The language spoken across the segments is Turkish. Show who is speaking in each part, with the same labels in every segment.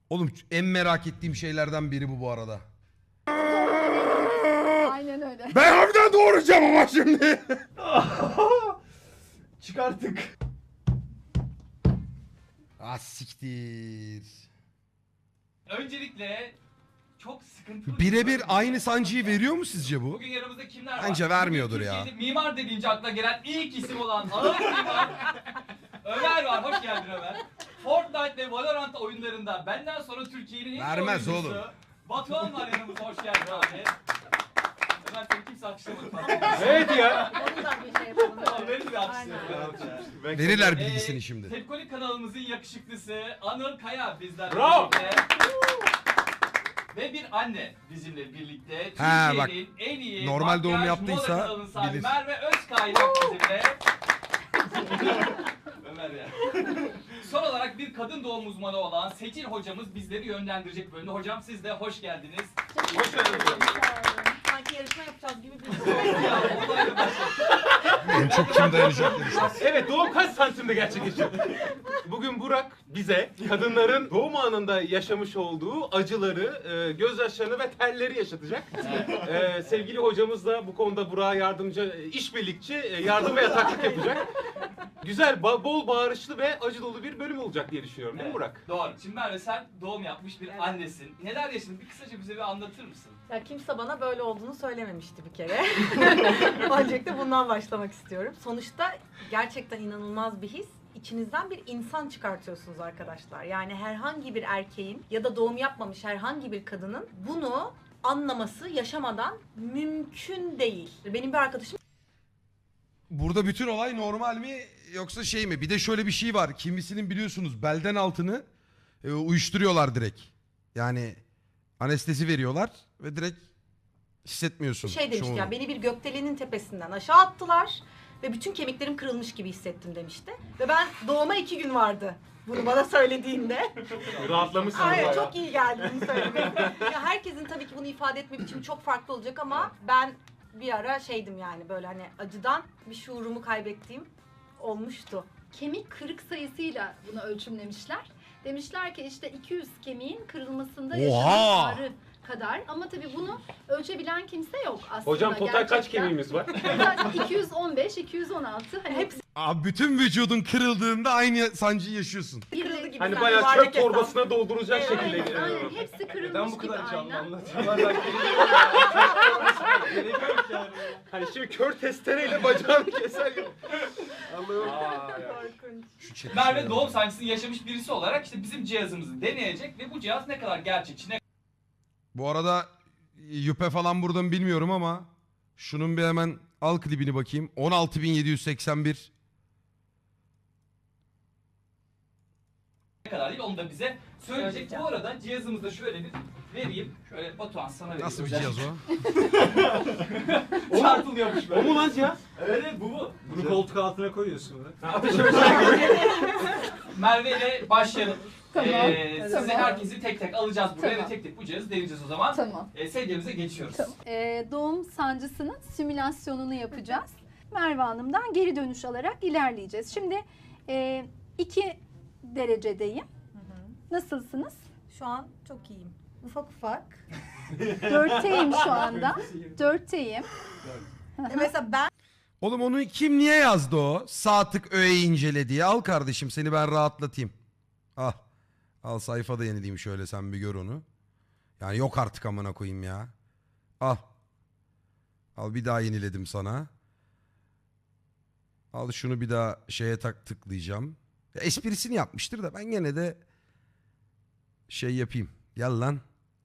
Speaker 1: Oğlum en merak ettiğim şeylerden biri bu arada.
Speaker 2: Aynen öyle.
Speaker 1: Ben harbiden doğuracağım ama şimdi.
Speaker 3: Çıkarttık.
Speaker 1: Ah siktir.
Speaker 4: Öncelikle çok sıkıntılı.
Speaker 1: Birebir aynı sancıyı veriyor mu sizce bu?
Speaker 4: Bugün yanımızda kimler var?
Speaker 1: Bence vermiyordur ya.
Speaker 4: Türkiye'de mimar dediğince akla gelen ilk isim olan ağır mimar Ömer var. Hoş geldin Ömer. Fortnite ve Valorant oyunlarında benden sonra Türkiye'nin en iyi
Speaker 1: Vermez
Speaker 4: oyuncusu
Speaker 1: oğlum.
Speaker 4: Batuhan var yanımızda. Hoş geldin abi. Ömer seni kimse alkışlamadı.
Speaker 3: Evet ya.
Speaker 2: Onu da bir şey yapalım.
Speaker 4: Tamam verin bir alkışlayalım.
Speaker 1: Verirler bilgisini şimdi.
Speaker 4: Tepkoli kanalımızın yakışıklısı Anıl Kaya bizlerle
Speaker 3: Bravo.
Speaker 4: birlikte. Ve bir anne bizimle birlikte.
Speaker 1: Ha, bak.
Speaker 4: Türkiye'nin en iyi
Speaker 1: Normal doğum
Speaker 4: makyaj
Speaker 1: yaptıysa
Speaker 4: moda kanalının sahibi
Speaker 1: bilir.
Speaker 4: Merve Özkaynak bizimle. Ömer ya. Son olarak bir kadın doğum uzmanı olan Seçil hocamız bizleri yönlendirecek bölümde. Hocam siz de hoş geldiniz.
Speaker 3: Hoş geldiniz.
Speaker 2: Sanki yarışma yapacağız gibi bir
Speaker 1: En çok kim dayanacak demişler.
Speaker 3: Evet, doğum kaç santimde gerçekleşiyor? Bugün Burak bize kadınların doğum anında yaşamış olduğu acıları, gözyaşlarını ve terleri yaşatacak. Sevgili hocamız da bu konuda Burak'a yardımcı, işbirlikçi, yardım ve yataklık yapacak. Güzel, bol bağırışlı ve acı dolu bir bölüm olacak diye düşünüyorum, değil mi Burak?
Speaker 4: Doğru. Şimdi Merve sen doğum yapmış bir annesin. Neler yaşadın? Bir kısaca bize bir anlatır mısın?
Speaker 5: Ya kimse bana böyle olduğunu söylememişti bir kere. Öncelikle bundan başlamak istiyorum. Sonuçta gerçekten inanılmaz bir his. İçinizden bir insan çıkartıyorsunuz arkadaşlar. Yani herhangi bir erkeğin ya da doğum yapmamış herhangi bir kadının bunu anlaması yaşamadan mümkün değil. Benim bir arkadaşım
Speaker 1: Burada bütün olay normal mi yoksa şey mi? Bir de şöyle bir şey var. Kimisinin biliyorsunuz belden altını uyuşturuyorlar direkt. Yani anestezi veriyorlar ve direkt hissetmiyorsun.
Speaker 5: şey demişti
Speaker 1: şovunu.
Speaker 5: ya, beni bir gökdelenin tepesinden aşağı attılar ve bütün kemiklerim kırılmış gibi hissettim demişti. Ve ben doğuma 2 gün vardı bunu bana söylediğinde.
Speaker 3: Rahatlamışsın.
Speaker 5: Hayır,
Speaker 3: bayağı.
Speaker 5: çok iyi geldi bunu söylemek. Ya herkesin tabii ki bunu ifade etme biçimi çok farklı olacak ama ben bir ara şeydim yani, böyle hani acıdan bir şuurumu kaybettiğim olmuştu.
Speaker 2: Kemik kırık sayısıyla bunu ölçümlemişler. Demişler ki işte 200 kemiğin kırılmasında
Speaker 1: Oha!
Speaker 2: yaşanan ağrı kadar. Ama tabii bunu ölçebilen kimse yok aslında.
Speaker 3: Hocam total kaç
Speaker 2: gerçekten.
Speaker 3: kemiğimiz var?
Speaker 2: Total 215, 216. Hani hepsi
Speaker 1: Abi bütün vücudun kırıldığında aynı sancıyı yaşıyorsun.
Speaker 5: Kırıldı gibi
Speaker 3: Hani
Speaker 5: sanki,
Speaker 3: bayağı
Speaker 5: yuvarlak
Speaker 3: çöp
Speaker 5: hesap.
Speaker 3: torbasına dolduracak
Speaker 5: Evet,
Speaker 3: şekilde.
Speaker 2: aynen hepsi kırılmış gibi aynen.
Speaker 3: anlatıyorlar? Hani şimdi kör testereyle bacağını keser gibi. Allah'ım.
Speaker 5: Korkunç.
Speaker 1: Şu çetin
Speaker 4: Merve
Speaker 1: şeyler.
Speaker 4: doğum sancısını yaşamış birisi olarak işte bizim cihazımızı deneyecek ve bu cihaz ne kadar gerçekçi, ne
Speaker 1: Bu arada yüpe falan buradan bilmiyorum ama şunun bir hemen al klibini bakayım. 16.781.
Speaker 4: kadar değil onu da bize söyleyecek.
Speaker 5: Söyleyeceğim.
Speaker 4: Bu arada cihazımızda şöyle bir vereyim. Şöyle Batuhan sana vereyim.
Speaker 1: Nasıl bir cihaz o?
Speaker 4: Çarpılıyormuş böyle.
Speaker 3: O mu lan cihaz?
Speaker 4: Evet bu.
Speaker 6: Bunu koltuk altına koyuyorsun da.
Speaker 3: Ateş ölçer gibi.
Speaker 4: Merve ile başlayalım.
Speaker 2: Tamam,
Speaker 4: Sizi
Speaker 2: tamam.
Speaker 4: herkesi tek tek alacağız buraya
Speaker 2: Tamam.
Speaker 4: ve tek tek bu cihazı deneyeceğiz o zaman.
Speaker 2: Tamam.
Speaker 4: Sedyemize geçiyoruz.
Speaker 2: Tamam. Doğum sancısının simülasyonunu yapacağız. Merve Hanım'dan geri dönüş alarak ilerleyeceğiz. Şimdi 2 derecedeyim. Nasılsınız?
Speaker 5: Şu an çok iyiyim. Ufak ufak.
Speaker 2: 4'teyim şu anda. 4'teyim.
Speaker 5: Mesela ben
Speaker 1: Oğlum onu kim niye yazdı o? Sağ tık öğe incele diye. Al kardeşim seni ben rahatlatayım. Al. Al sayfada yenileyim şöyle sen bir gör onu. Yani yok artık amına koyayım ya. Al. Al bir daha yeniledim sana. Al şunu bir daha şeye tıklayacağım. Ya esprisini yapmıştır da ben gene de şey yapayım. Gel lan.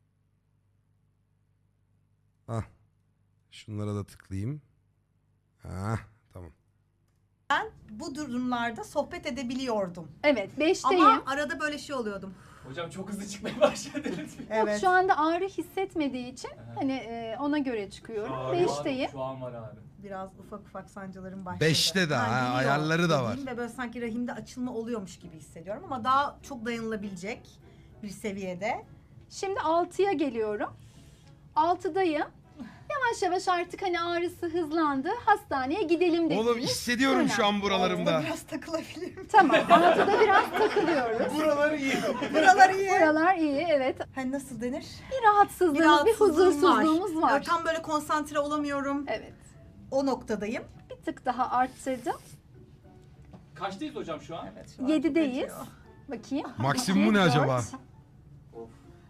Speaker 1: Ah. Şunlara da tıklayayım. Ha, tamam.
Speaker 5: bu durumlarda sohbet edebiliyordum.
Speaker 2: Evet 5'teyim.
Speaker 5: Ama arada böyle şey oluyordum.
Speaker 4: Hocam çok hızlı çıkmaya başladınız.
Speaker 5: Evet.
Speaker 2: Şu anda ağrı hissetmediği için hani ona göre çıkıyorum. 5'teyim.
Speaker 4: Şu an var abi.
Speaker 5: Biraz ufak sancılarım başladı.
Speaker 1: 5'te de ha,
Speaker 5: geliyor
Speaker 1: ayarları da var.
Speaker 5: dediğim Ve böyle sanki rahimde açılma oluyormuş gibi hissediyorum ama daha çok dayanılabilecek bir seviyede.
Speaker 2: Şimdi 6'ya geliyorum. 6'dayım. yavaş yavaş artık hani ağrısı hızlandı. Hastaneye gidelim dediniz.
Speaker 1: Oğlum hissediyorum şu an buralarımda.
Speaker 5: Biraz takılabilirim.
Speaker 2: Tamam. Altıda biraz takılıyoruz.
Speaker 3: Buraları iyi.
Speaker 5: Buralar iyi.
Speaker 2: Buralar iyi, evet.
Speaker 5: Hani nasıl denir?
Speaker 2: Bir rahatsızlığımız, bir huzursuzluğumuz var.
Speaker 5: Tam böyle konsantre olamıyorum.
Speaker 2: Evet.
Speaker 5: O noktadayım.
Speaker 2: Bir tık daha arttırdım.
Speaker 4: Kaçtayız hocam şu an?
Speaker 5: Evet, şu an
Speaker 2: 7'deyiz.
Speaker 5: acıyor.
Speaker 2: Bakayım.
Speaker 1: Maksimumu ne
Speaker 2: Dört.
Speaker 1: acaba?
Speaker 4: Of.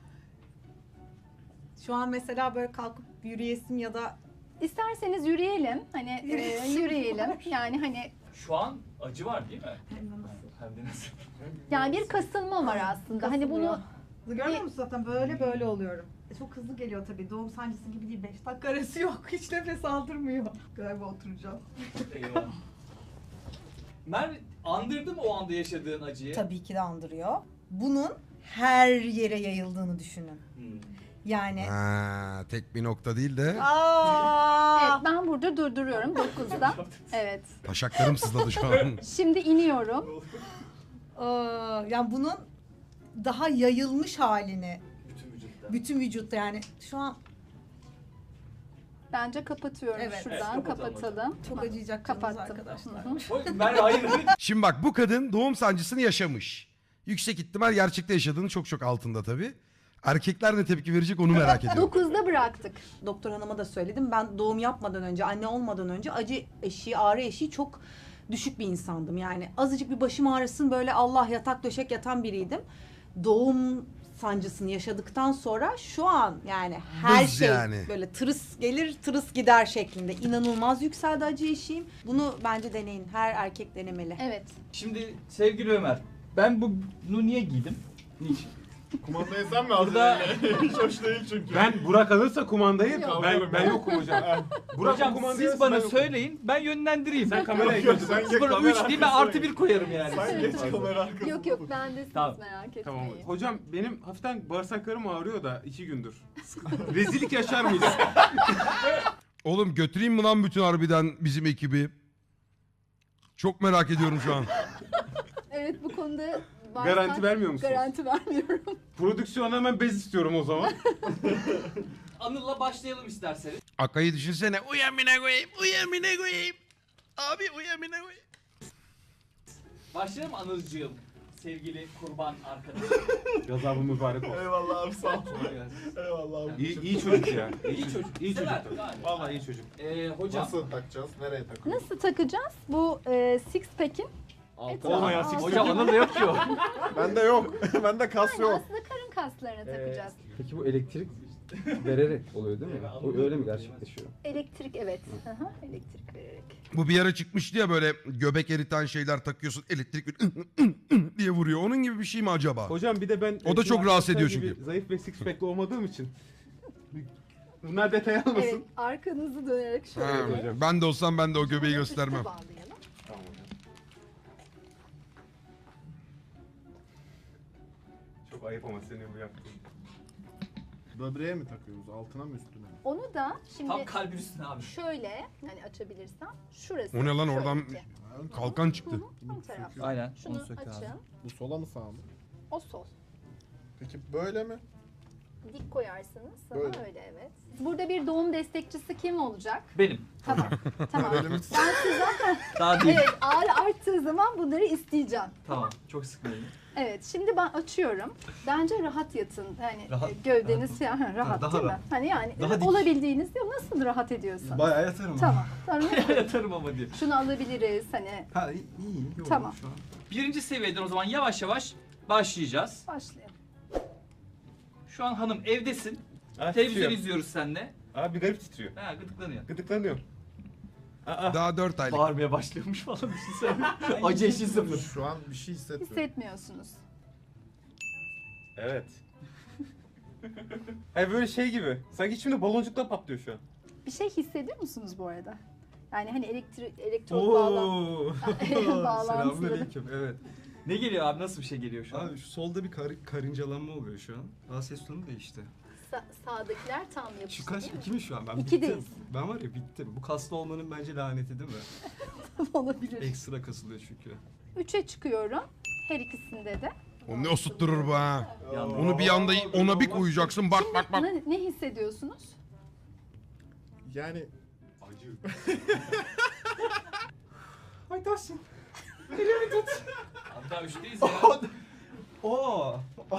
Speaker 5: Şu an mesela böyle kalkıp yürüyesim ya da
Speaker 2: İsterseniz yürüyelim. Hani
Speaker 5: Yürüyesim
Speaker 2: yürüyelim.
Speaker 5: var.
Speaker 2: Yani hani
Speaker 4: Şu an acı var değil mi? Hem de nasıl?
Speaker 2: yani bir kasılma var aslında. Hani bunu
Speaker 5: Görmüyor musun zaten böyle oluyorum. Çok hızlı geliyor tabii. Doğum sancısı gibi değil. 5 dakika arası yok. Hiç nefes aldırmıyor. Galiba oturacağım.
Speaker 4: Eyvah. Merve andırdı mı o anda yaşadığın acıyı?
Speaker 5: Tabii ki de andırıyor. Bunun her yere yayıldığını düşünün.
Speaker 4: Hmm.
Speaker 5: Yani
Speaker 1: Ha, tek bir nokta değil de
Speaker 2: evet, ben burada durduruyorum 9'da. Evet.
Speaker 1: taşaklarım sızladı şu an.
Speaker 2: Şimdi iniyorum.
Speaker 5: Yani bunun daha yayılmış halini
Speaker 4: Bütün vücutta.
Speaker 5: bütün vücutta yani şu an
Speaker 2: Bence kapatıyorum
Speaker 5: Evet.
Speaker 2: şuradan.
Speaker 4: Evet, kapatalım
Speaker 2: kapatalım.
Speaker 5: çok acıyacak
Speaker 2: Kapattım.
Speaker 5: arkadaşlar.
Speaker 2: Hı hı.
Speaker 4: O- Merve hayır.
Speaker 1: Şimdi bak bu kadın doğum sancısını yaşamış. Yüksek ihtimal gerçekte yaşadığını çok altında tabii. Erkekler ne tepki verecek onu merak ediyorum.
Speaker 2: 9'da bıraktık.
Speaker 5: Doktor hanıma da söyledim. Ben doğum yapmadan önce, anne olmadan önce acı eşiği, ağrı eşiği çok düşük bir insandım. Yani azıcık bir başım ağrısın böyle Allah yatak döşek yatan biriydim. Doğum sancısını yaşadıktan sonra şu an yani her
Speaker 1: Buz
Speaker 5: şey
Speaker 1: yani.
Speaker 5: böyle tırıs gelir tırıs gider şeklinde inanılmaz yükseldi acı eşiğim. Bunu bence deneyin. Her erkek denemeli.
Speaker 2: Evet.
Speaker 4: Şimdi sevgili Ömer, ben bunu niye giydim? Niçin?
Speaker 7: Kumandayı sen mi aldın?
Speaker 4: Burada
Speaker 7: Hiç hoş değil çünkü.
Speaker 3: Ben Burak alırsa kumandayı
Speaker 2: Yok.
Speaker 3: ben yokum hocam. Burak
Speaker 4: hocam
Speaker 3: o kumandayı
Speaker 4: siz bana
Speaker 3: alırsa ben yokum.
Speaker 4: söyleyin, ben yönlendireyim.
Speaker 3: Sen kameraya
Speaker 7: Yok,
Speaker 3: götür.
Speaker 7: sen geç
Speaker 4: 0
Speaker 7: kamera
Speaker 4: 3 değil ben
Speaker 7: arkasına
Speaker 4: artı 1 koyarım yani.
Speaker 7: Sen geç kamera arkasına.
Speaker 2: Yok bendesiniz
Speaker 4: Tamam.
Speaker 2: merak etmeyin.
Speaker 3: Tamam. Hocam benim hafiften bağırsaklarım ağrıyor da 2 gündür. Rezillik yaşar mıyız?
Speaker 1: Oğlum götüreyim mi lan bütün harbiden bizim ekibi? Çok merak ediyorum şu an.
Speaker 2: Evet bu konuda
Speaker 3: Garanti vermiyor musunuz?
Speaker 2: Garanti vermiyorum.
Speaker 3: Prodüksiyona hemen bez istiyorum o zaman.
Speaker 4: Anıl'la başlayalım isterseniz.
Speaker 1: Akay'ı düşünsene. Uyamine koyayım, uyamine koyayım. Abi uyamine koyayım.
Speaker 4: Başlayalım Anılcığım. Sevgili kurban arkadaşım.
Speaker 3: Gazabı mübarek olsun.
Speaker 7: Eyvallah abi sağ ol.
Speaker 4: Kolay gelsin.
Speaker 7: Eyvallah abi.
Speaker 3: İyi çocuk ya.
Speaker 4: İyi çocuk.
Speaker 3: İyi çocuk.
Speaker 4: Sever, gayet.
Speaker 3: Vallahi iyi çocuk.
Speaker 4: Hocam.
Speaker 7: Nasıl takacağız? Nereye takıyoruz?
Speaker 2: Nasıl takacağız? Bu six pack'in
Speaker 3: Olmayan six
Speaker 4: Hocam Anıl'da yok ki o.
Speaker 7: Bende yok. Bende kas yok.
Speaker 2: aslında karın kaslarına takacağız.
Speaker 8: Peki bu elektrik vererek oluyor değil mi? O öyle mi gerçekleşiyor?
Speaker 2: Elektrik evet. Aha, elektrik vererek.
Speaker 1: Bu bir ara çıkmıştı ya böyle göbek eriten şeyler takıyorsun elektrik diye vuruyor. Onun gibi bir şey mi acaba?
Speaker 3: Hocam bir de ben...
Speaker 1: O da çok rahatsız ediyor
Speaker 3: gibi
Speaker 1: çünkü.
Speaker 3: Zayıf ve six pack'li olmadığım için. Bunlar detay almasın.
Speaker 2: Evet arkanızı dönerek şöyle.
Speaker 1: Ha, ben de olsam ben de o göbeği göstermem.
Speaker 2: Bağlayalım.
Speaker 3: Tamam hocam. Çok ayıp ama senin bu yaptığın.
Speaker 7: Böbreğe mi takıyoruz? Altına mı üstüne mi?
Speaker 2: Onu da şimdi
Speaker 4: Tam kalbin üstüne abi.
Speaker 2: şöyle hani açabilirsem şurası.
Speaker 1: O ne lan
Speaker 2: şöyle
Speaker 1: oradan
Speaker 2: ki.
Speaker 1: kalkan çıktı.
Speaker 2: Ön taraf.
Speaker 8: Aynen.
Speaker 2: Şunu
Speaker 8: Onu söktü
Speaker 2: açın.
Speaker 8: abi.
Speaker 7: Bu sola mı sağa mı?
Speaker 2: O sol.
Speaker 7: Peki böyle mi?
Speaker 2: Dik koyarsınız. Sana
Speaker 7: Böyle.
Speaker 2: öyle evet. Burada bir doğum destekçisi kim olacak?
Speaker 4: Benim.
Speaker 2: Tamam. tamam.
Speaker 7: Elimiz
Speaker 2: Ben sizden
Speaker 4: Daha değil.
Speaker 2: evet ağrı arttığı zaman bunları isteyeceğim.
Speaker 4: Tamam. Çok sıkmayın.
Speaker 2: Evet şimdi ben açıyorum. Bence rahat yatın. Yani
Speaker 8: Rahat-
Speaker 2: gövdeniz falan rahat
Speaker 8: daha
Speaker 2: değil mi?
Speaker 8: rahat.
Speaker 2: Hani yani
Speaker 8: Daha dik.
Speaker 2: olabildiğinizde nasıl rahat ediyorsun?
Speaker 8: Bayağı yatarım.
Speaker 2: Tamam. Sonra
Speaker 4: Yatarım ama diye.
Speaker 2: şunu alabiliriz hani.
Speaker 8: Ha iyi oldu
Speaker 2: Tamam.
Speaker 8: şu an.
Speaker 4: Birinci seviyeden o zaman yavaş yavaş başlayacağız.
Speaker 2: Başlayalım.
Speaker 4: Şu an hanım evdesin.
Speaker 3: Ha,
Speaker 4: Televizyon
Speaker 3: titriyor.
Speaker 4: izliyoruz seninle.
Speaker 3: Abi bir garip titriyor.
Speaker 4: Ha gıdıklanıyor.
Speaker 3: Gıdıklanıyor.
Speaker 1: Daha 4 aylık.
Speaker 4: Bağırmaya başlıyormuş falan düşünsene. Acı eşi sıfır.
Speaker 7: şu an bir şey hissetmiyorum.
Speaker 2: Hissetmiyorsunuz.
Speaker 3: Evet. Hayır böyle şey gibi. Sanki içimde baloncuklar patlıyor şu an.
Speaker 2: Bir şey hissediyor musunuz bu arada? Yani hani elektrot bağlan. Bağlantıları.
Speaker 8: Selamünaleyküm. Evet.
Speaker 4: Ne geliyor abi? Nasıl bir şey geliyor şu an?
Speaker 8: Abi şu solda bir karıncalanma oluyor şu an. Daha ses tonu değişti.
Speaker 2: Sağdakiler tam yapıştı.
Speaker 8: Şu kaç?
Speaker 2: değil mi?
Speaker 8: 2 mi şu an? Ben
Speaker 2: İkideyiz.
Speaker 8: bittim. Ben var ya bittim. Bu kaslı olmanın bence laneti değil mi?
Speaker 2: Olabilir.
Speaker 8: Ekstra kasılıyor çünkü.
Speaker 2: 3'e çıkıyorum. Her ikisinde de.
Speaker 1: O ne osutturur bu ha.
Speaker 4: Yandı.
Speaker 1: Onu bir anda ona bir koyacaksın bak bak bak.
Speaker 2: Ne hissediyorsunuz?
Speaker 7: Yani
Speaker 3: Acı.
Speaker 6: Ay Tahsin.
Speaker 4: Hatta üçteyiz ya.
Speaker 6: Oo.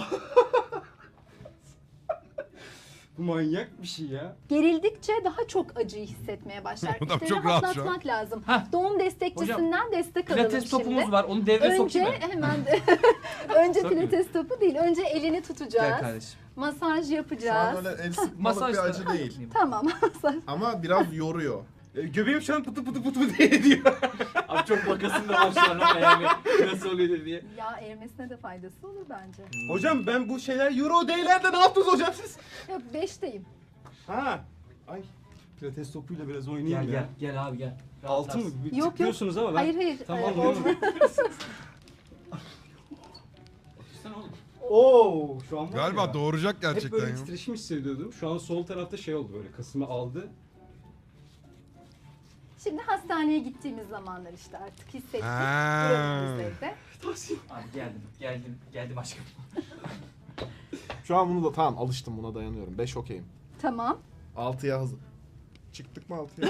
Speaker 6: Bu manyak bir şey ya.
Speaker 2: Gerildikçe daha çok acıyı hissetmeye başlar.
Speaker 1: Adam
Speaker 2: İşte
Speaker 1: çok rahat şu an.
Speaker 2: rahatlatmak lazım.
Speaker 4: Heh.
Speaker 2: Doğum destekçisinden destek alalım
Speaker 4: Pilates
Speaker 2: şimdi.
Speaker 4: topumuz var. Onu devreye
Speaker 2: Önce
Speaker 4: sokayım mı?
Speaker 2: hemen de önce
Speaker 4: Sokayım.
Speaker 2: pilates topu değil. Önce elini
Speaker 4: Gel
Speaker 2: tutacağız.
Speaker 4: kardeşim.
Speaker 2: Masaj
Speaker 7: şu an
Speaker 2: yapacağız.
Speaker 7: öyle el sıkmalık
Speaker 4: Masaj
Speaker 7: bir
Speaker 4: da-
Speaker 7: acı değil.
Speaker 2: Tamam. Masaj.
Speaker 7: Ama biraz yoruyor.
Speaker 3: Göbeğim şu an pıtı pıtı pıtı diye diyor.
Speaker 4: Abi çok bakasın da var şu an ama yani nasıl oluyor diye.
Speaker 2: Ya erimesine de faydası olur bence.
Speaker 3: Hocam ben bu şeyler euro değillerde ne yaptınız hocam siz?
Speaker 2: Yok 5'teyim.
Speaker 3: Ha. Ay.
Speaker 6: Pilates topuyla biraz oynayayım
Speaker 4: Gel
Speaker 6: ya.
Speaker 4: gel gel abi gel.
Speaker 6: Altın mı? Bir
Speaker 2: Yok,
Speaker 6: tıklıyorsunuz ama ben...
Speaker 2: Hayır hayır.
Speaker 6: Tamam,
Speaker 2: olmaz.
Speaker 4: Sen oğlum.
Speaker 6: Oo, şu an var
Speaker 1: Galiba
Speaker 6: ya.
Speaker 1: doğuracak
Speaker 6: Hep
Speaker 1: gerçekten
Speaker 6: böyle
Speaker 1: ya.
Speaker 6: titreşim hissediyordum. Şu an sol tarafta şey oldu böyle. Kasımı aldı.
Speaker 2: Şimdi hastaneye gittiğimiz zamanlar işte artık hissettik.
Speaker 1: Ha.
Speaker 2: Durumumuz evde.
Speaker 4: Abi geldim aşkım.
Speaker 7: Şu an bunu da tamam alıştım, buna dayanıyorum. 5 okeyim.
Speaker 2: Tamam.
Speaker 7: 6'ya hazır. Çıktık mı 6'ya?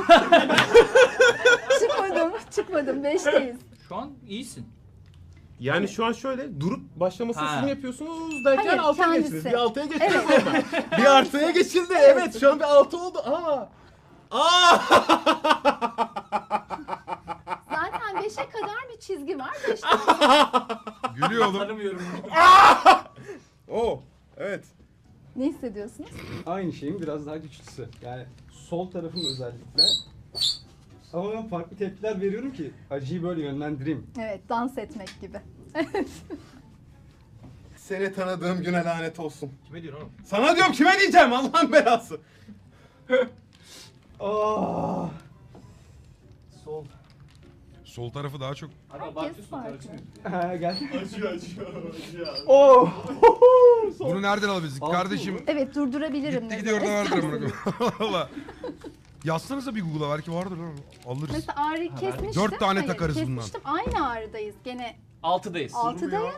Speaker 2: Çıkmadım. 5'teyiz.
Speaker 4: Şu an iyisin.
Speaker 3: Yani şu an şöyle durup başlamasını
Speaker 4: Ha.
Speaker 3: siz mi yapıyorsunuz derken
Speaker 2: Hayır,
Speaker 3: 6'ya
Speaker 2: kendisi.
Speaker 3: geçtiniz. Bir 6'ya geçtiniz
Speaker 2: Evet.
Speaker 3: sonra. Bir artıya geçildi. Evet şu an bir 6 oldu. Aa. Aa.
Speaker 2: Zaten 5'e kadar bir çizgi var. 5'te
Speaker 1: Gülüyor oğlum.
Speaker 4: Tanımıyorum.
Speaker 3: Oo. Evet.
Speaker 2: ne hissediyorsunuz?
Speaker 6: Aynı şeyin biraz daha güçlüsü. Yani sol tarafım özellikle. Ama ben farklı tepkiler veriyorum ki acıyı böyle yönlendireyim.
Speaker 2: Evet, dans etmek gibi.
Speaker 3: Seni tanıdığım güne lanet olsun.
Speaker 4: Kime diyorsun oğlum?
Speaker 3: Sana diyorum kime diyeceğim Allah'ın belası.
Speaker 6: Aa! Sol.
Speaker 1: Sol tarafı daha çok.
Speaker 4: Abi
Speaker 2: Herkes
Speaker 4: abartıyorsun
Speaker 2: farklı.
Speaker 4: karışmıyor.
Speaker 6: Ha gel.
Speaker 3: Acıyor.
Speaker 6: Oo!
Speaker 1: Bunu nereden alabiliriz
Speaker 6: Altı
Speaker 1: kardeşim?
Speaker 6: mı?
Speaker 2: Evet, durdurabilirim.
Speaker 1: Gitti
Speaker 2: ne
Speaker 1: gidiyor orada
Speaker 2: zaman
Speaker 1: vardır
Speaker 2: isterseniz.
Speaker 1: amına koyayım. Valla. Yazsanıza bir Google'a belki vardır lan. Alırız.
Speaker 2: Mesela ağrı
Speaker 4: Ha,
Speaker 2: kesmiştim.
Speaker 1: 4 tane
Speaker 2: Hayır,
Speaker 1: takarız bundan.
Speaker 2: kesmiştim. Aynı ağrıdayız. Gene
Speaker 4: 6'dayız.
Speaker 2: 6'dayız.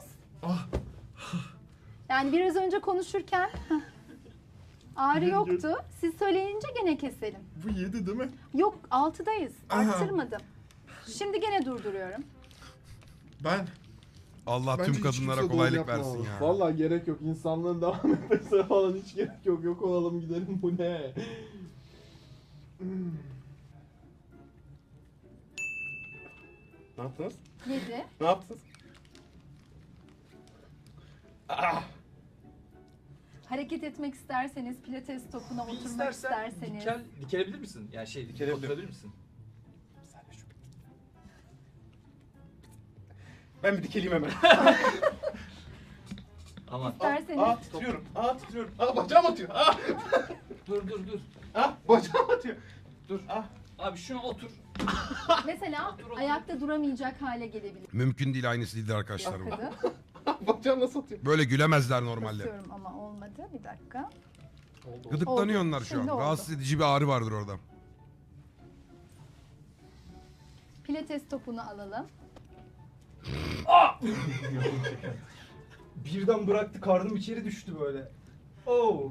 Speaker 2: Yani biraz önce konuşurken ağrı yoktu. Siz söyleyince gene keselim.
Speaker 7: Bu 7 değil mi?
Speaker 2: Yok 6'dayız. Arttırmadım. Şimdi gene durduruyorum.
Speaker 7: Ben
Speaker 1: Allah
Speaker 7: bence
Speaker 1: tüm
Speaker 7: hiç
Speaker 1: kadınlara
Speaker 7: kimse
Speaker 1: kolaylık
Speaker 7: doğum yapmamalı.
Speaker 1: versin ya.
Speaker 7: Vallahi gerek yok. İnsanlığın devam etmesine falan hiç gerek yok. Yok olalım gidelim, bu ne?
Speaker 3: Ne yaptınız?
Speaker 2: 7.
Speaker 3: Ne yaptınız?
Speaker 2: Hareket etmek isterseniz, pilates topuna oturmak isterseniz.
Speaker 4: Dikelebilir misin? Yani şey
Speaker 3: Dikelebilirim.
Speaker 4: oturabilir misin?
Speaker 3: Ben bir dikeleyim hemen.
Speaker 4: Aman.
Speaker 2: İsterseniz
Speaker 3: Titriyorum. Titriyorum. Bacağım atıyor.
Speaker 4: Dur.
Speaker 3: Bacağım atıyor.
Speaker 4: Abi şuna otur.
Speaker 2: mesela
Speaker 4: Otur.
Speaker 2: ayakta duramayacak hale gelebilir.
Speaker 1: Mümkün değil, aynısı değildir arkadaşlar bu.
Speaker 2: Bakın.
Speaker 3: Bacağım nasıl atıyor?
Speaker 1: Böyle gülemezler normalde.
Speaker 2: Basıyorum ama olmadı. Bir dakika.
Speaker 1: Gıdıklanıyor
Speaker 2: Oldu.
Speaker 1: onlar şu
Speaker 2: Şimdi
Speaker 1: an.
Speaker 2: oldu.
Speaker 1: Rahatsız edici bir ağrı vardır orada.
Speaker 2: Pilates topunu alalım.
Speaker 6: Birden bıraktı, karnım içeri düştü böyle. Oo!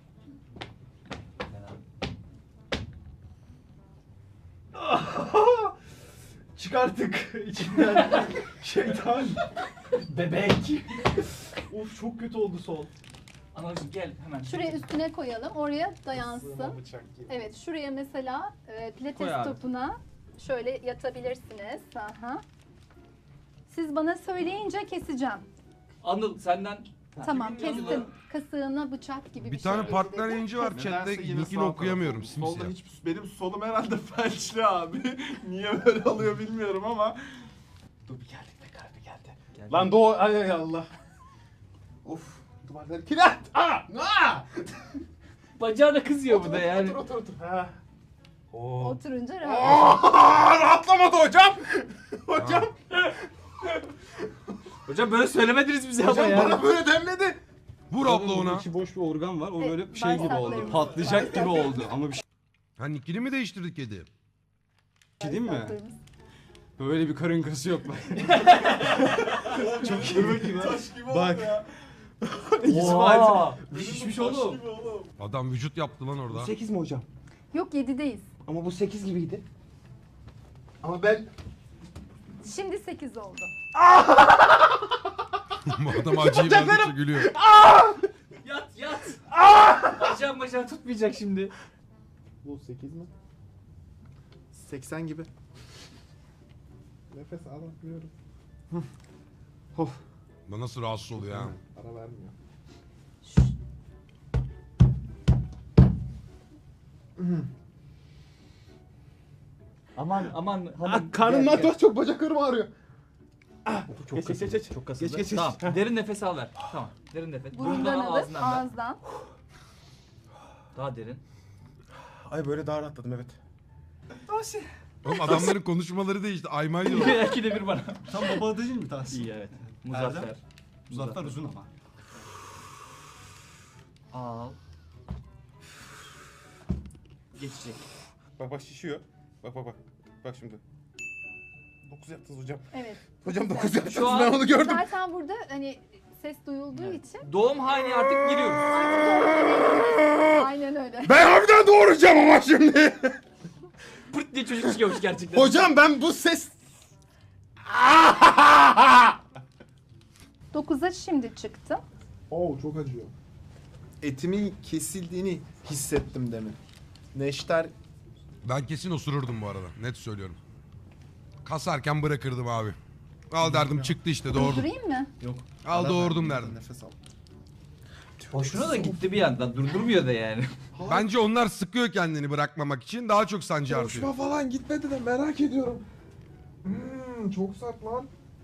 Speaker 6: Çıkarttık içinden şeytan. Bebek. Of çok kötü oldu sol.
Speaker 4: Anacığım gel hemen.
Speaker 2: Şuraya üstüne koyalım. Oraya dayansın.
Speaker 7: Bıçak gibi.
Speaker 2: Evet, şuraya mesela
Speaker 4: Koy
Speaker 2: pilates
Speaker 4: abi.
Speaker 2: topuna şöyle yatabilirsiniz. Aha. Siz bana söyleyince keseceğim.
Speaker 4: Anıl senden.
Speaker 2: Tamam,
Speaker 4: Kimin
Speaker 2: kestim.
Speaker 4: yanında?
Speaker 2: Kasığına bıçak gibi
Speaker 1: Bir
Speaker 2: bir
Speaker 1: tane
Speaker 2: şey
Speaker 1: partner
Speaker 2: girdi.
Speaker 1: yayıncı var
Speaker 2: Kestim.
Speaker 1: chatte.
Speaker 7: Nedense yine
Speaker 1: Nickini
Speaker 7: sağ
Speaker 1: okuyamıyorum.
Speaker 7: tarafım. Solda
Speaker 1: Simsiyah.
Speaker 7: hiç, benim solum herhalde felçli abi. Niye böyle oluyor bilmiyorum ama.
Speaker 3: Dur bir geldik be kalbi geldi. Lan doğu ay Allah.
Speaker 7: Of, duvarlar kilit.
Speaker 4: Bacağına kızıyor bu da yani.
Speaker 3: Otur.
Speaker 2: Oturunca rahat.
Speaker 3: Rahatlamadı hocam. Hocam.
Speaker 4: Hocam böyle söylemediniz bize ama
Speaker 3: Hocam
Speaker 4: yani.
Speaker 3: bana böyle demledi.
Speaker 1: Vur abla
Speaker 6: Burada
Speaker 1: ona.
Speaker 6: içi boş bir organ var. O
Speaker 2: Evet,
Speaker 6: böyle şey gibi oldu.
Speaker 2: bağırsaklarımız.
Speaker 6: Patlayacak gibi
Speaker 2: Bağırsaklarımız.
Speaker 6: oldu. Ama bir şey
Speaker 1: Ha nickini mi değiştirdik kedi?
Speaker 6: değil mi?
Speaker 2: Bağırsaklarımız.
Speaker 6: Böyle bir karın kası yok. Çok iyi bakayım ha.
Speaker 7: Taş gibi
Speaker 6: Bak.
Speaker 7: oldu ya.
Speaker 6: İkisi var. Şişmiş oğlum.
Speaker 1: Adam vücut yaptı lan orada.
Speaker 3: 8 mi hocam?
Speaker 2: Yok 7'deyiz.
Speaker 7: Ama bu 8 gibiydi. Ama ben...
Speaker 2: Şimdi 8 oldu.
Speaker 1: Bu adam acıyı verdikçe gülüyor.
Speaker 4: Yat yat. Bacağım tutmayacak şimdi.
Speaker 7: Bu 8 mi? 80 gibi. Nefes alamıyorum.
Speaker 1: Bu nasıl rahatsız oluyor ha?
Speaker 7: Ara vermiyor.
Speaker 4: Aman.
Speaker 7: Karnımdan çok bacaklarım ağrıyor.
Speaker 4: Çok kasıldı. Çok kasıldı.
Speaker 7: Geç.
Speaker 4: Tamam. Derin nefes al ver. Tamam. Derin nefes.
Speaker 2: Burundan alıp
Speaker 4: ağzından ver.
Speaker 2: ağızdan.
Speaker 4: Daha derin.
Speaker 7: Ay böyle daha rahatladım evet.
Speaker 1: Oğlum adamların konuşmaları değişti. Aymay diyorlar.
Speaker 4: İki de bir bana.
Speaker 6: Tam baba adı değil mi Tahsin?
Speaker 4: İyi evet. Muzaffer.
Speaker 6: Muzaffer uzun ama.
Speaker 4: Al. Geçecek.
Speaker 7: Bak şişiyor. Bak. Bak şimdi. 9 yaptınız hocam.
Speaker 2: Evet.
Speaker 7: Hocam 9 yaptınız
Speaker 4: Şu an-
Speaker 7: ben onu gördüm.
Speaker 2: Zaten burada hani ses duyulduğu için
Speaker 4: Doğum haline artık giriyoruz.
Speaker 2: artık doğru. Aynen öyle.
Speaker 7: Ben harbiden doğuracağım ama şimdi.
Speaker 4: Pırt diye çocuk çıkıyormuş gerçekten.
Speaker 7: Hocam ben bu ses...
Speaker 2: 9'a şimdi çıktım.
Speaker 7: Oo çok acıyor. Etimin kesildiğini hissettim demin. Neşter
Speaker 1: Ben kesin osururdum bu arada. Net söylüyorum. Kasarken bırakırdım abi. Al derdim çıktı işte doğurdum.
Speaker 2: Durdurayım mı?
Speaker 1: Al doğurdum derdim.
Speaker 7: nefes al.
Speaker 4: Hoşuna da gitti bir yandan. Durdurmuyor da yani.
Speaker 1: Bence onlar sıkıyor kendini bırakmamak için. Daha çok sancı
Speaker 7: Hoşuma
Speaker 1: artıyor.
Speaker 7: falan gitmedi de merak ediyorum. Çok sert lan.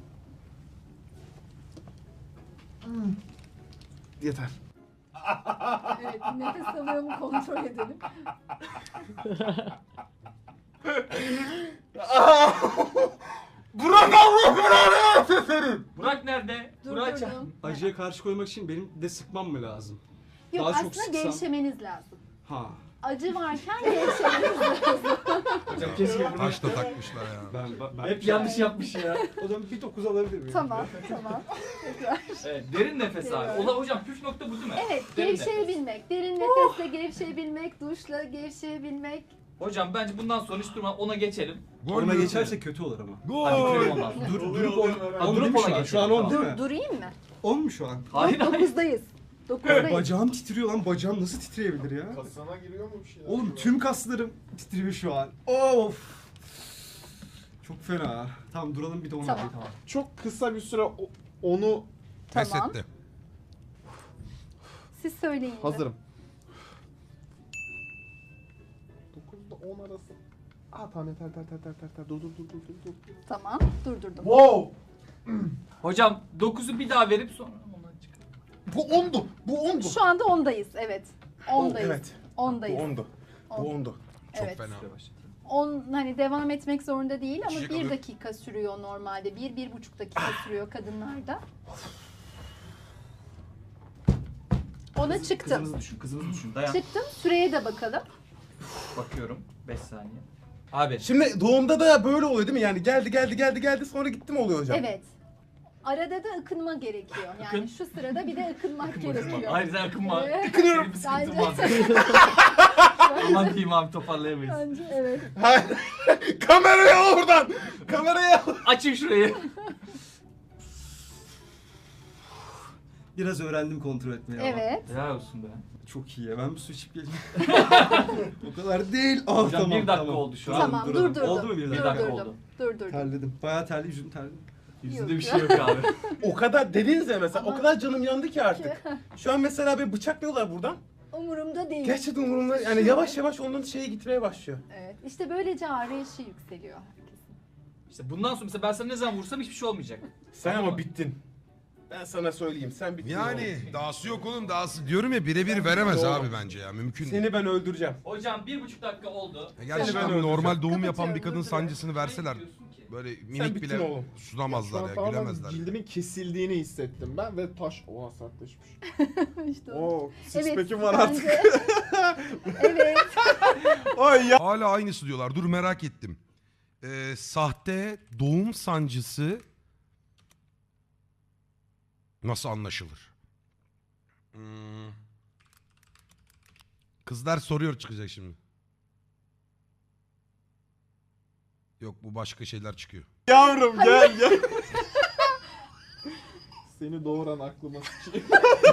Speaker 7: Yeter.
Speaker 2: Evet, nefes alıyor mu kontrol edelim.
Speaker 7: Burak Allah belanı versin.
Speaker 4: Burak nerede? Burak
Speaker 2: Durdurdum.
Speaker 6: Acıya karşı koymak için benim de sıkmam mı lazım?
Speaker 2: Yok
Speaker 6: Daha çok
Speaker 2: aslında
Speaker 6: sıksam-
Speaker 2: gevşemeniz lazım.
Speaker 6: Ha.
Speaker 2: Acı varken gevşemeniz lazım.
Speaker 4: Hocam keşke bunu...
Speaker 1: Taş da takmışlar ya.
Speaker 6: Ben
Speaker 4: Hep yanlış yapmış ya.
Speaker 6: O zaman bir 9 alabilir miyim?
Speaker 2: Tamam. Tekrar.
Speaker 4: Evet, derin nefes abi. Ola hocam püf nokta bu değil mi?
Speaker 2: Evet,
Speaker 4: Derin nefes.
Speaker 2: gevşeyebilmek. Derin nefesle gevşeyebilmek, duşla gevşeyebilmek.
Speaker 4: Hocam bence bundan sonra hiç durma ona geçelim.
Speaker 1: Gol
Speaker 6: Ona
Speaker 1: mü?
Speaker 6: geçerse kötü olur ama.
Speaker 4: Hadi
Speaker 1: Gol.
Speaker 4: bitirelim ondan sonra.
Speaker 6: Durup 10
Speaker 4: Durup
Speaker 6: değil mi
Speaker 4: ona
Speaker 6: şu an?
Speaker 4: geçelim,
Speaker 6: Şu an 10 değil mi?
Speaker 2: Durayım mı?
Speaker 6: 10 mu şu an?
Speaker 4: Hayır hayır.
Speaker 2: 9'dayız. 9'dayız.
Speaker 6: Bacağım titriyor lan. Bacağım nasıl titreyebilir ya?
Speaker 7: Kasana giriyor mu bir şeyler?
Speaker 6: Oğlum tüm kaslarım titriyor şu an. Of. Çok fena. Tamam duralım bir de onu
Speaker 2: Tamam.
Speaker 6: tamam.
Speaker 7: Çok kısa bir süre onu
Speaker 1: Pes
Speaker 2: Tamam.
Speaker 1: etti.
Speaker 2: Siz söyleyin. de.
Speaker 7: hazırım. 9'da 10 arası. Tamam yeter. Dur.
Speaker 2: Tamam, durdurdum.
Speaker 7: Wow!
Speaker 4: Hocam 9'u bir daha verip sonra ondan çıkar.
Speaker 7: Bu 10'du.
Speaker 2: Şu anda 10'dayız, evet. 10'dayız.
Speaker 7: Evet.
Speaker 2: 10'dayız.
Speaker 7: 10'du. Bu 10'du.
Speaker 1: Çok
Speaker 2: Evet.
Speaker 1: fena.
Speaker 2: 10 hani devam etmek zorunda değil ama
Speaker 1: İçecek
Speaker 2: 1
Speaker 1: alıyor.
Speaker 2: dakika sürüyor normalde. 1-1,5 dakika sürüyor kadınlarda. Ona çıktım.
Speaker 4: Kızımızı düşün. Dayan.
Speaker 2: Çıktım. Süreye de bakalım.
Speaker 4: Bakıyorum. 5 saniye. Abi.
Speaker 7: Şimdi doğumda da böyle oluyor değil mi? Yani geldi sonra gitti mi oluyor hocam?
Speaker 2: Evet. Arada da ıkınma gerekiyor. Yani
Speaker 4: Akın.
Speaker 2: şu sırada bir de ıkınmak gerekiyor.
Speaker 4: Hayır sen akınma.
Speaker 2: Evet.
Speaker 4: Senin bir sıkıntın
Speaker 2: Bence-
Speaker 4: var. Aman diyeyim abi toparlayamayız.
Speaker 2: Bence evet.
Speaker 7: Hayır. Kamerayı al oradan. Kamerayı al.
Speaker 4: Açın şurayı.
Speaker 6: Biraz öğrendim kontrol etmeyi ama.
Speaker 2: Evet.
Speaker 4: Helal olsun be.
Speaker 6: Çok iyi ya. Ben bir su içip geleyim. O kadar değil.
Speaker 4: Hocam
Speaker 6: Tamam,
Speaker 4: bir dakika
Speaker 6: tamam.
Speaker 4: oldu şu an.
Speaker 2: Tamam,
Speaker 6: duralım.
Speaker 2: durdurdum.
Speaker 6: Oldu mu bir dakika?
Speaker 4: dakika
Speaker 2: Durdurdum.
Speaker 4: oldu.
Speaker 2: Durdurdum.
Speaker 6: Terledim. Bayağı terli, yüzüm terli.
Speaker 4: Yüzünde bir şey yok abi.
Speaker 7: O kadar dediniz ya mesela.
Speaker 2: Ama-
Speaker 7: O kadar canım yandı ki artık. Şu an mesela bir bıçaklıyorlar buradan.
Speaker 2: Umurumda değil.
Speaker 7: Gerçekten umurumda. Yani yavaş yavaş onun şeye gitmeye başlıyor.
Speaker 2: Evet. İşte böylece ağrı eşiği yükseliyor herkesin.
Speaker 4: İşte bundan sonra mesela ben sana ne zaman vursam hiçbir şey olmayacak.
Speaker 7: Sen
Speaker 4: Tamam
Speaker 7: ama
Speaker 4: mı?
Speaker 7: bittin. Ben sana söyleyeyim. Sen bittin.
Speaker 1: Yani
Speaker 7: oğlum.
Speaker 1: dahası yok oğlum dahası. Diyorum ya birebir veremez abi bence ya. Mümkün değil.
Speaker 7: Seni ben öldüreceğim.
Speaker 4: Hocam 1,5 dakika oldu.
Speaker 1: Ya
Speaker 7: Seni
Speaker 1: gerçekten
Speaker 7: ben
Speaker 1: normal
Speaker 7: öldüreceğim.
Speaker 1: doğum yapan bir
Speaker 2: Kapatıyorum,
Speaker 1: kadın sancısını verseler
Speaker 4: Diyorsun ki.
Speaker 1: böyle
Speaker 7: Sen
Speaker 1: minik
Speaker 7: bittin
Speaker 1: bile
Speaker 7: oğlum.
Speaker 1: sunamazlar ya,
Speaker 7: tamamen
Speaker 1: gülemezler.
Speaker 7: cildimin kesildiğini hissettim ben ve taş oha sertleşmiş.
Speaker 2: İşte o.
Speaker 7: Oo, six
Speaker 2: Evet.
Speaker 7: pack'im var artık.
Speaker 2: bence- evet.
Speaker 7: Ay ya.
Speaker 1: Hala aynısı diyorlar. Dur merak ettim. Sahte doğum sancısı nasıl anlaşılır? Kızlar soruyor çıkacak şimdi. Yok bu başka şeyler çıkıyor.
Speaker 7: Yavrum gel gel. Seni doğuran aklıma sıçayım.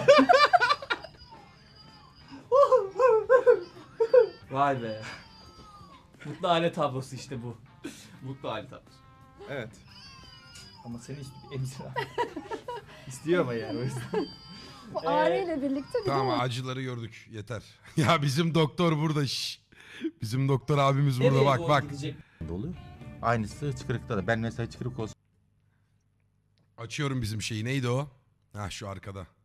Speaker 4: Vay be. Mutlu aile tablosu işte bu. Mutlu aile tablosu.
Speaker 7: Evet.
Speaker 4: Ama seni emzir abi. İstiyor ama yani o yüzden.
Speaker 2: Bu ağrıyla birlikte bir de
Speaker 1: Tamam acıları gördük yeter. Ya bizim doktor burada şş. Bizim doktor abimiz burada
Speaker 4: Nereye
Speaker 1: bak
Speaker 4: doğru
Speaker 1: bak.
Speaker 4: gidecek?
Speaker 9: Oluyor. Aynısı hıçkırıkta da. Ben mesela hıçkırık olsun.
Speaker 1: Açıyorum bizim şeyi neydi o? Ha şu arkada.